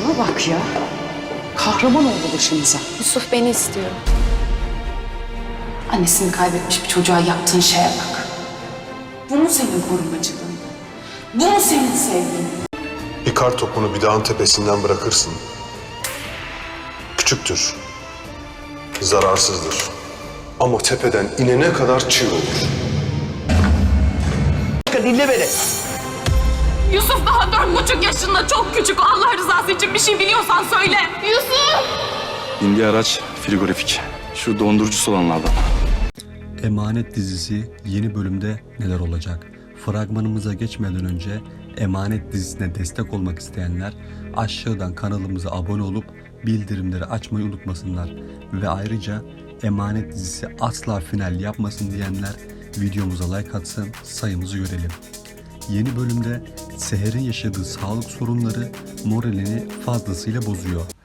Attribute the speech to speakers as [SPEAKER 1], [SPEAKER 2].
[SPEAKER 1] Şuna bak ya. Kahraman oldu başımıza.
[SPEAKER 2] Yusuf beni istiyor.
[SPEAKER 1] Annesini kaybetmiş bir çocuğa yaptığın şeye bak. Bu mu senin korumacılığın? Bu mu senin sevgin?
[SPEAKER 3] Bir kar topunu bir dağın tepesinden bırakırsın. Küçüktür, zararsızdır. Ama tepeden inene kadar çığ olur.
[SPEAKER 4] Dinle beni.
[SPEAKER 2] Yusuf daha 4,5 yaşında, çok küçük. Allah rızası için bir şey biliyorsan söyle. Yusuf!
[SPEAKER 5] İndiği araç frigorifik. Şu dondurucusu olanlardan.
[SPEAKER 6] Emanet dizisi yeni bölümde neler olacak? Fragmanımıza geçmeden önce Emanet dizisine destek olmak isteyenler aşağıdan kanalımıza abone olup bildirimleri açmayı unutmasınlar. Ve ayrıca Emanet dizisi asla final yapmasın diyenler videomuza like atsın, sayımızı görelim. Yeni bölümde Seher'in yaşadığı sağlık sorunları moralini fazlasıyla bozuyor.